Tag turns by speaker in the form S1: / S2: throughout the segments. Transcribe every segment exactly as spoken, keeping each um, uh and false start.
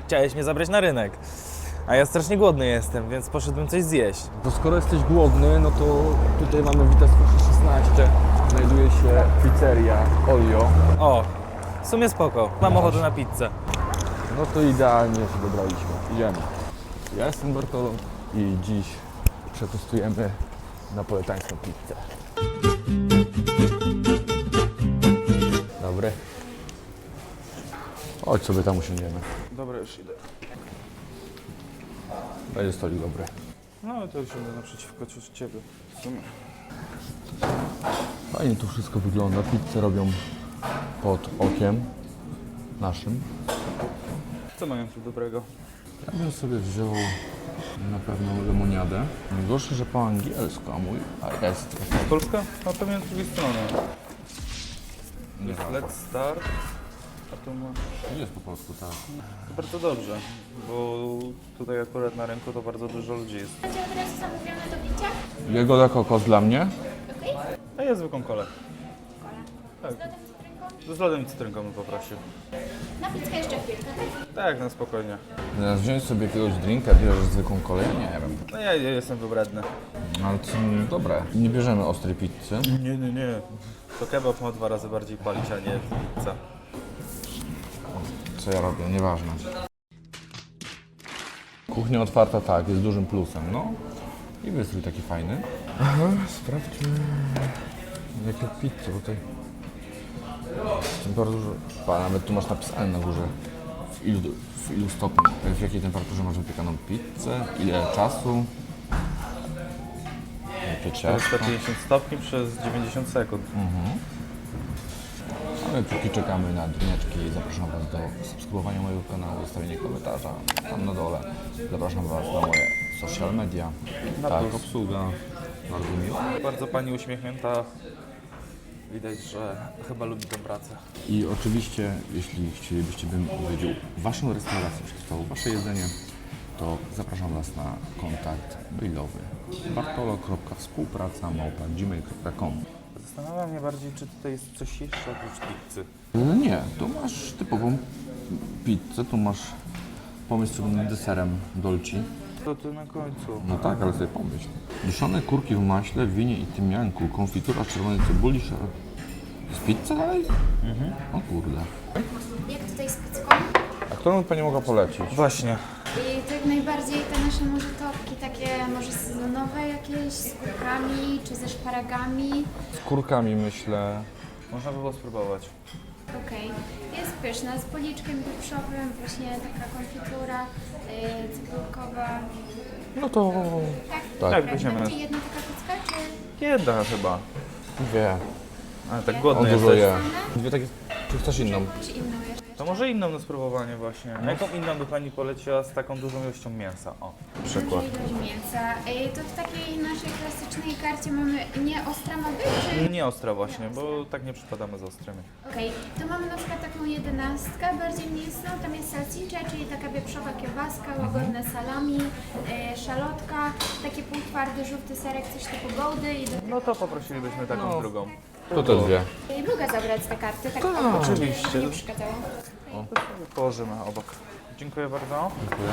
S1: chciałeś mnie zabrać na rynek. A ja strasznie głodny jestem, więc poszedłem coś zjeść.
S2: To skoro jesteś głodny, no to tutaj mamy Witas proszę szesnaście. Znajduje się pizzeria Olio.
S1: O, w sumie spoko. Mam ochotę na pizzę.
S2: No to idealnie się dobraliśmy. Idziemy. Ja jestem Bartolo i dziś przetestujemy napolitańską pizzę. Dobry. Chodź sobie tam usiądziemy.
S1: Dobra, już idę.
S2: Będzie stolik dobry.
S1: No ale to już idę naprzeciwko ciebie. W sumie.
S2: Fajnie tu wszystko wygląda. Pizzę robią pod okiem naszym.
S1: Co mają tu dobrego?
S2: Ja bym sobie wziął na pewno lemoniadę. Najgorsze, że po angielsku, a mój a jest.
S1: Polska? A pewnie z drugiej strony.
S2: Nie
S1: Jest Let's Start. A tu ma...
S2: Nie jest po polsku, tak.
S1: To bardzo dobrze, bo tutaj akurat na rynku to bardzo dużo ludzi jest.
S3: Będzie od razu zamówione do picia?
S2: Jagoda kokos dla mnie.
S3: Okej.
S1: A ja zwykłą kolę.
S3: Kola. Z lodem cytrynką?
S1: Z lodem i cytrynką bym poprosił.
S3: Na pizzkę jeszcze chwilkę, tak?
S1: Tak, na spokojnie.
S2: Zamiast wziąć sobie jakiegoś drinka, bierzesz zwykłą kolę, ja nie wiem.
S1: No ja, ja jestem wybredny.
S2: Ale to są dobre. Nie bierzemy ostrej pizzy.
S1: Nie, nie, nie. To kebab ma dwa razy bardziej palić, a nie pizza.
S2: Co ja robię, nieważne. Kuchnia otwarta, tak, jest dużym plusem, no. I wystrój taki fajny. Aha, sprawdźmy jakie pizze tutaj. Bardzo dużo. Pa, nawet tu masz napisane na górze w ilu, w ilu stopni, w jakiej temperaturze masz wypiekaną pizzę, ile czasu. Jakie ciasto.
S1: czterysta pięćdziesiąt stopni przez dziewięćdziesiąt sekund.
S2: A my póki czekamy na drineczki, zapraszam Was do subskrybowania mojego kanału, zostawienia komentarza tam na dole. Zapraszam Was do moje social media.
S1: Na
S2: Tak,
S1: plus.
S2: obsługa. Bardzo miło.
S1: Bardzo pani uśmiechnięta. Widać, że chyba lubi tę pracę.
S2: I oczywiście, jeśli chcielibyście, bym odwiedził Waszą restaurację, przetestował Wasze jedzenie, to zapraszam Was na kontakt mailowy bartolo kropka współpraca małpa gmail kropka com.
S1: Zastanawia mnie bardziej, czy tutaj jest coś jeszcze oprócz pizzy.
S2: Nie, tu masz typową pizzę, tu masz pomysł z deserem dolci.
S1: To tu na końcu.
S2: No tak, ale sobie pomyśl. Duszone kurki w maśle, winie i tymianku, konfitura z czerwonej cebuli, szar... Jest pizza dalej? Mhm. O kurde.
S3: Jak tutaj z pizzką?
S2: A którą Pani mogła polecić?
S1: Właśnie.
S3: I tak najbardziej te nasze może topki takie może sezonowe jakieś z kurkami czy ze szparagami.
S2: Z kurkami myślę.
S1: Można by było spróbować.
S3: Okej. Jest pyszna z policzkiem wieprzowym, właśnie taka konfitura yy, cebulkowa.
S2: No to...
S3: Tak?
S2: Tak.
S1: Tak,
S3: Dobra,
S1: weźmiemy.
S3: będzie jedna taka pizza czy
S1: Jedna chyba.
S2: Wie.
S1: Ale tak
S2: On
S1: głodny
S2: dużo
S1: jesteś.
S2: je. Dwie takie... Czy chcesz inną?
S3: czy inną jeszcze?
S1: To może inną na spróbowanie właśnie. A jaką inną by pani poleciła z taką dużą ilością mięsa? O, przykład.
S3: Duża ilość mięsa. Yy, to w takiej naszej klasycznej karcie mamy nie ostra ma być, czy...
S1: Nie ostra właśnie, bo tak nie przypadamy z ostrymi.
S3: Okej, to mamy na przykład taką jedenastkę, bardziej mięsną, tam jest salsicza, czyli taka wieprzowa kiełbaska, łagodne salami, yy, szalotka, taki półtwardy, żółty serek, coś typu goldy i do
S1: No to poprosilibyśmy taką
S2: No.
S1: drugą.
S2: To te dwie.
S3: Yy, mogę zabrać te karty, tak
S2: Tak,
S1: oczywiście.
S3: nie przeszkadzało.
S1: Położymy obok. Dziękuję bardzo.
S2: Dziękuję.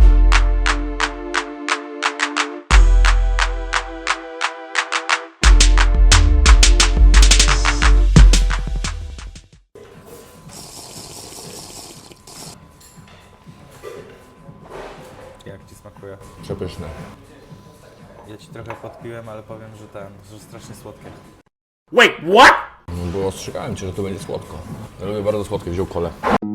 S1: Jak ci smakuje?
S2: Przepyszne.
S1: Ja ci trochę podpiłem, ale powiem, że ten, że strasznie słodkie.
S2: No bo ostrzegałem Cię, że to będzie słodko. Ja lubię bardzo słodkie, wziął kolę.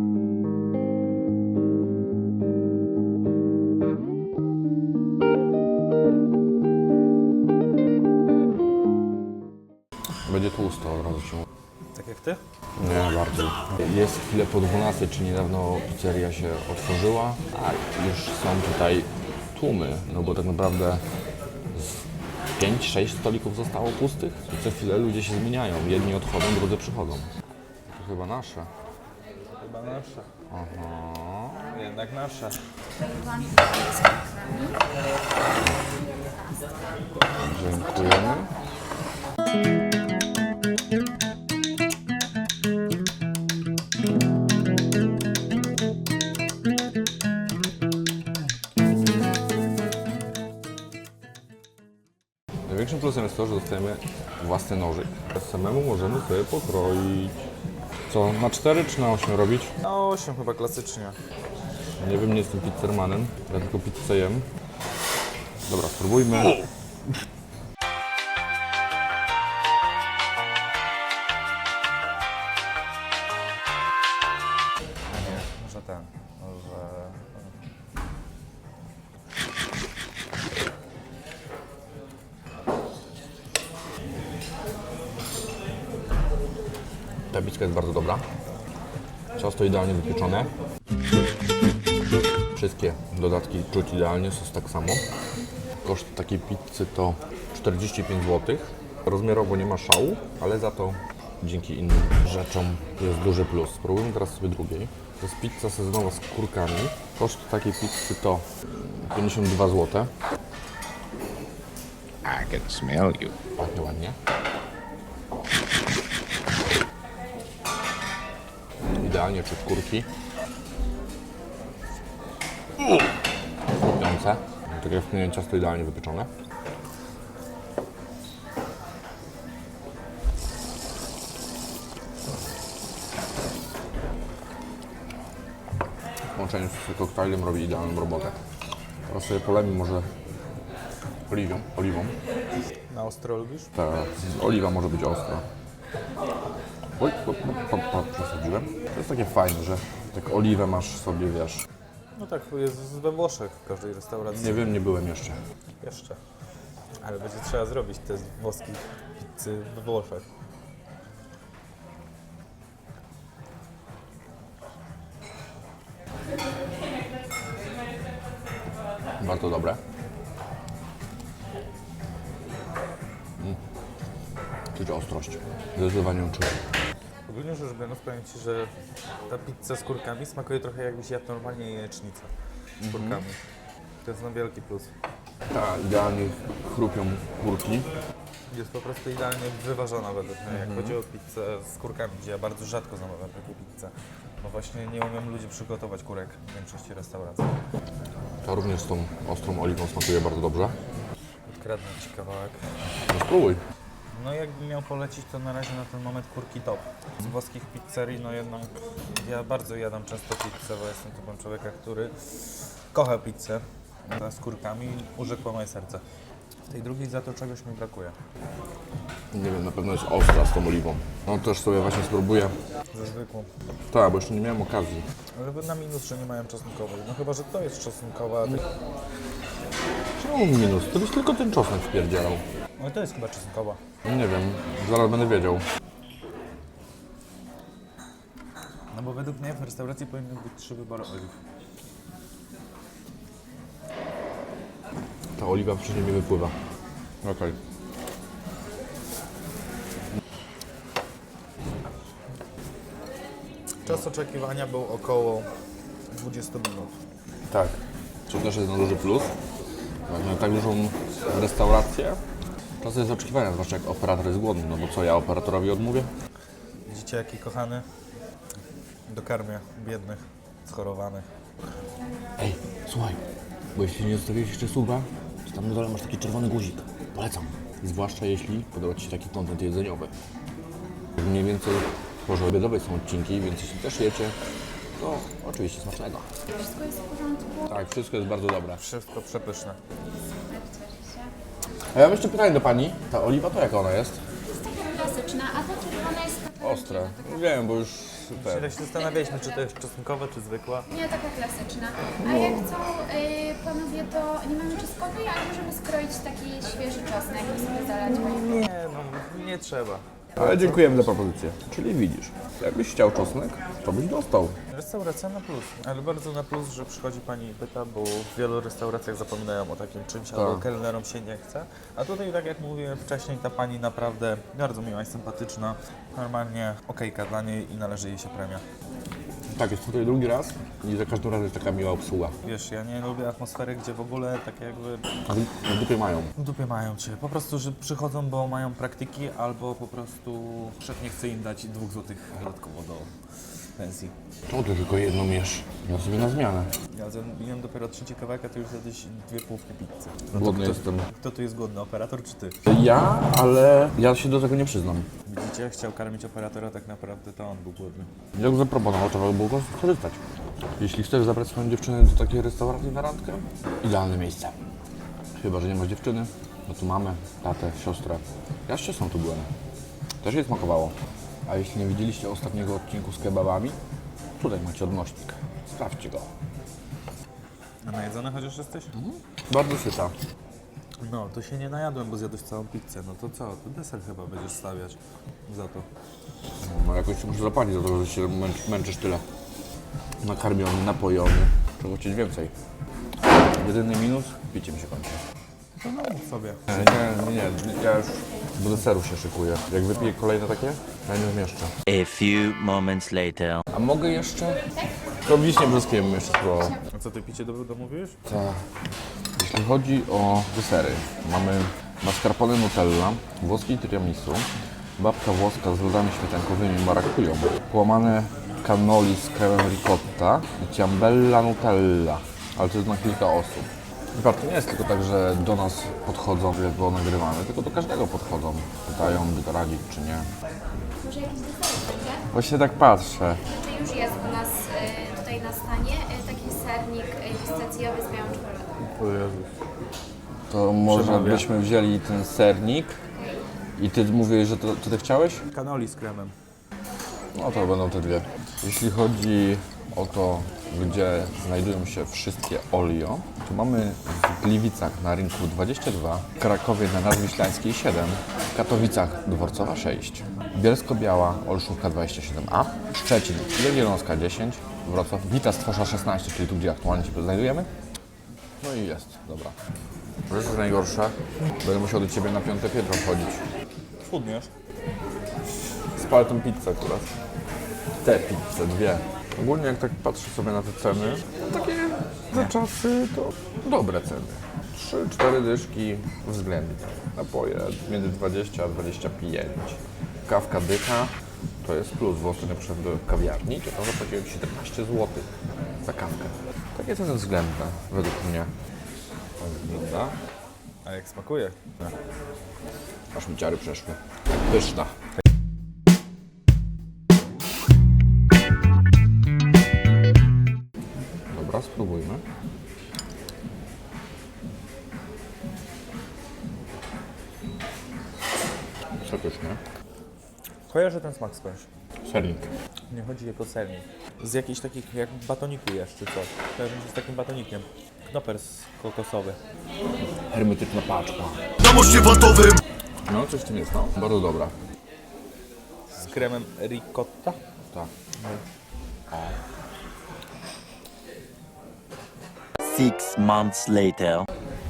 S2: Będzie tłusto, od razu się mówi.
S1: Tak jak ty?
S2: Nie, bardzo. Jest chwilę po dwunastej, czyli niedawno pizzeria się otworzyła, a już są tutaj tłumy, no bo tak naprawdę z pięć sześć stolików zostało pustych i co chwilę ludzie się zmieniają. Jedni odchodzą, drudzy przychodzą. To chyba nasze.
S1: Chyba nasze.
S2: Aha.
S1: Jednak nasze.
S2: Dziękujemy. Największym plusem jest to, że dostajemy własny nożyk. Samemu możemy sobie pokroić. Co, na cztery czy na osiem robić?
S1: Na osiem chyba klasycznie.
S2: Nie wiem, nie jestem pizzermanem, ja tylko pizzę jem. Dobra, spróbujmy.
S1: A nie, może ten, może...
S2: Ta pizza jest bardzo dobra. Ciasto idealnie wypieczone. Wszystkie dodatki czuć idealnie, sos tak samo. Koszt takiej pizzy to czterdzieści pięć złotych. Rozmiarowo nie ma szału, ale za to dzięki innym rzeczom jest duży plus. Spróbujmy teraz sobie drugiej. To jest pizza sezonowa z kurkami. Koszt takiej pizzy to pięćdziesiąt dwa złote.
S4: I can smell you.
S2: Ładnie, ładnie. Idealnie czuć kurki. Chrupiące. Tak jak wspomniałem, ciasto idealnie wypieczone. W połączeniu z koktajlem robi idealną robotę. Teraz sobie polemy może oliwą. oliwą.
S1: Na ostro lubisz?
S2: Ta oliwa może być ostra. Oj, po, po, po, przesadziłem. To jest takie fajne, że tak oliwę masz sobie, wiesz.
S1: No tak, jest we Włoszech w każdej restauracji.
S2: Nie wiem, nie byłem jeszcze.
S1: Jeszcze. Ale będzie trzeba zrobić test włoskiej pizzy we Włoszech.
S2: Bardzo dobre. Mm. Czuć ostrość. Zdecydowanie ją czuć.
S1: Ogólnie rzecz biorąc, powiem Ci, że ta pizza z kurkami smakuje trochę jakbyś jadł normalnie jajecznicę z kurkami. To jest no wielki plus.
S2: Tak, idealnie chrupią kurki.
S1: Jest po prostu idealnie wyważona według mnie, jak chodzi o pizzę z kurkami, gdzie ja bardzo rzadko zamawiam takie pizze. Bo właśnie nie umiem ludzi przygotować kurek w większości restauracji.
S2: To również z tą ostrą oliwą smakuje bardzo dobrze.
S1: Odkradnę Ci kawałek.
S2: No spróbuj.
S1: No jakbym miał polecić, to na razie na ten moment kurki top. Z włoskich pizzerii, no jednak ja bardzo jadam często pizzę, bo jestem typem człowieka, który kocha pizzę z kurkami, urzekło moje serce. W tej drugiej za to czegoś mi brakuje.
S2: Nie wiem, na pewno jest ostra z tą oliwą. No też sobie właśnie spróbuję.
S1: Ze zwykłą.
S2: Tak, bo jeszcze nie miałem okazji.
S1: Ale na minus, że nie mają czosnkowej. No chyba, że to jest czosnkowa, a ty...
S2: Czemu minus? To byś tylko ten czosnek wpierdzielał.
S1: Ale to jest chyba czosnkowa.
S2: Nie wiem, zaraz będę wiedział.
S1: No bo według mnie w restauracji powinny być trzy wybory oliw.
S2: Ta oliwa wcześniej mi wypływa. Okej.
S1: Czas oczekiwania był około dwadzieścia minut.
S2: Tak. Co też jest na duży plus. Jak na tak dużą restaurację, czas jest oczekiwania, zwłaszcza jak operator jest głodny. No bo co, ja operatorowi odmówię?
S1: Widzicie, jaki kochany dokarmia biednych, schorowanych.
S2: Ej, słuchaj, bo jeśli nie zostawiłeś jeszcze suba, to tam na dole masz taki czerwony guzik. Polecam. Zwłaszcza jeśli podoba Ci się taki kontent jedzeniowy. Mniej więcej w porze obiadowej są odcinki, więc jeśli też jecie, to oczywiście smacznego.
S3: Wszystko jest w porządku.
S2: Tak, wszystko jest bardzo dobre.
S1: Wszystko przepyszne.
S3: Tak, cieszę się.
S2: A ja mam jeszcze pytanie do Pani. Ta oliwa to jaka ona jest?
S3: Jest taka klasyczna, a ta czerwona jest taka...
S2: Ostre. Wiem, bo już super.
S1: Tyle się zastanawialiśmy, czy to jest czosnkowa, czy zwykła.
S3: Nie, taka klasyczna. A jak chcą y, panowie, to nie mamy czosnkowej, ale możemy skroić taki świeży czosnek i sobie zalać.
S1: Nie, no nie trzeba.
S2: Ale dziękujemy za propozycję. Czyli widzisz, jakbyś chciał czosnek, to byś dostał.
S1: Restauracja na plus, ale bardzo na plus, że przychodzi pani i pyta, bo w wielu restauracjach zapominają o takim czymś, albo kelnerom się nie chce. A tutaj, tak jak mówiłem wcześniej, ta pani naprawdę bardzo miła i sympatyczna. Normalnie okejka dla niej i należy jej się premia.
S2: Tak, jest tutaj drugi raz i za każdym razem jest taka miła obsługa.
S1: Wiesz, ja nie lubię atmosfery, gdzie w ogóle tak jakby
S2: W dupie mają.
S1: w dupie mają cię. Po prostu, że przychodzą, bo mają praktyki, albo po prostu szef nie chce im dać dwóch złotych dodatkowo do pensji.
S2: To ty tylko jedną jesz. Ja sobie na zmianę.
S1: Ja zjem dopiero trzeci kawałek, a ty już zjadłeś dwie połówki pizzy.
S2: Głodny
S1: kto,
S2: jestem.
S1: Kto tu jest głodny, operator czy ty?
S2: Ja, ale ja się do tego nie przyznam.
S1: Widzicie, chciał karmić operatora, tak naprawdę to on był głodny.
S2: Jak zaproponował, trzeba było go skorzystać. Jeśli chcesz zabrać swoją dziewczynę do takiej restauracji na randkę, idealne miejsce. Chyba że nie masz dziewczyny, no tu mamy tatę, siostrę. Ja z siostrą tu byłem. Też jej smakowało. A jeśli nie widzieliście ostatniego odcinku z kebabami, tutaj macie odnośnik. Sprawdźcie go.
S1: A najedzony chociaż jesteś?
S2: Bardzo syta.
S1: No, to się nie najadłem, bo zjadłeś całą pizzę. No to co? To deser chyba będziesz stawiać za to.
S2: No jakoś ci muszę zapłacić za to, że się męcz, męczysz tyle. Nakarmiony, napojony. Czego chcieć więcej. Jedyny minus, picie mi się kończy.
S1: To no mów sobie.
S2: Nie, nie, nie, ja już do deseru się szykuję. Jak wypiję kolejne takie, ja nie zmieszczę.
S4: A few moments later.
S2: A mogę jeszcze? To wiśnie brzoskwiem bym jeszcze spróbował.
S1: A co ty picie do, domówiłeś?
S2: Tak. Jeśli chodzi o desery, mamy mascarpone Nutella, włoski tiramisu, babka włoska z lodami śmietankowymi marakują, połamane cannoli z kremem ricotta i ciambella Nutella, ale to jest na kilka osób. I patrz, to nie jest tylko tak, że do nas podchodzą, jak było nagrywane, tylko do każdego podchodzą. Pytają, by to radzić, czy nie.
S3: Może jakiś deser będzie?
S2: Właśnie tak patrzę.
S3: Czy już jest u nas y, tutaj na stanie y, taki sernik y, pistacjowy z białą czekoladą?
S1: O Jezus.
S2: To może
S1: Przemawia.
S2: byśmy wzięli ten sernik i ty mówiłeś, że to, to ty chciałeś?
S1: Kanoli z kremem.
S2: No to będą te dwie. Jeśli chodzi o to, gdzie znajdują się wszystkie Olio, to mamy w Gliwicach na rynku dwadzieścia dwa, w Krakowie na Nadwiślańskiej siedem, w Katowicach Dworcowa sześć, Bielsko-Biała, Olszówka dwadzieścia siedem A, Szczecin, Jagiellonska dziesięć, Wrocław, Wita Stwosza szesnaście, czyli tu, gdzie aktualnie się znajdujemy. No i jest, dobra. Wiesz, co jest najgorsze? Będę musiał do Ciebie na piąte piętro wchodzić.
S1: Schudniesz?
S2: Spalę tą pizzę akurat. Te pizze, dwie. Ogólnie jak tak patrzę sobie na te ceny, no takie za czasy to dobre ceny. trzy cztery dyszki względnie. Napoje między dwadzieścia a dwadzieścia pięć. Kawka dycha to jest plus, bo ostatnio przyszedłem do kawiarni, to tam zapłaciłem siedemnaście złotych za kawkę. Takie ceny względne według mnie. Tak wygląda.
S1: A jak smakuje?
S2: Aż mi ciary przeszły. Pyszna. Dobra, spróbujmy. Przepysznie.
S1: Kojarzę ten smak skądś.
S2: Sernik.
S1: Nie chodzi jako sernik. Z jakichś takich, jak batoniku jesz czy coś. Kojarzę się z takim batonikiem. Knopers kokosowy.
S2: Hermetyczna paczka.
S5: Na moście watowym.
S2: No, coś w tym jest, no. Bardzo dobra.
S1: Z kremem ricotta.
S2: Tak.
S4: Six months later.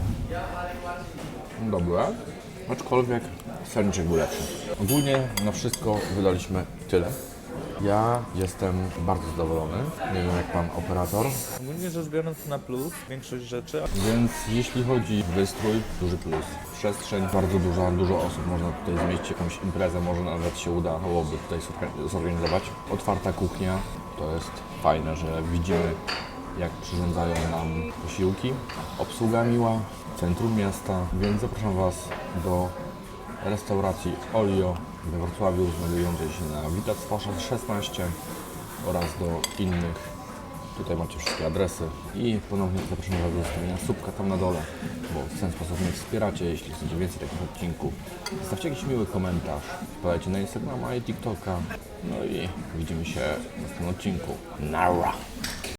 S2: Dobre. Aczkolwiek serniczek był lepszy. Ogólnie na wszystko wydaliśmy tyle. Ja jestem bardzo zadowolony. Nie wiem jak pan operator.
S1: Ogólnie rzecz biorąc na plus większość rzeczy.
S2: Więc jeśli chodzi o wystrój, duży plus. Przestrzeń bardzo duża, dużo osób, można tutaj zmieścić jakąś imprezę, może nawet się udałoby tutaj zorga- zorganizować. Otwarta kuchnia, to jest fajne, że widzimy jak przyrządzają nam posiłki. Obsługa miła, centrum miasta, więc zapraszam Was do restauracji Olio we Wrocławiu, znajdującej się na Wita Stwosza szesnaście oraz do innych. Tutaj macie wszystkie adresy i ponownie zapraszam Was do zostawienia subka tam na dole, bo w ten sposób mnie wspieracie. Jeśli chcecie więcej takich odcinków, zostawcie jakiś miły komentarz, wpadajcie na Instagrama i TikToka. No i widzimy się w następnym odcinku. Nara!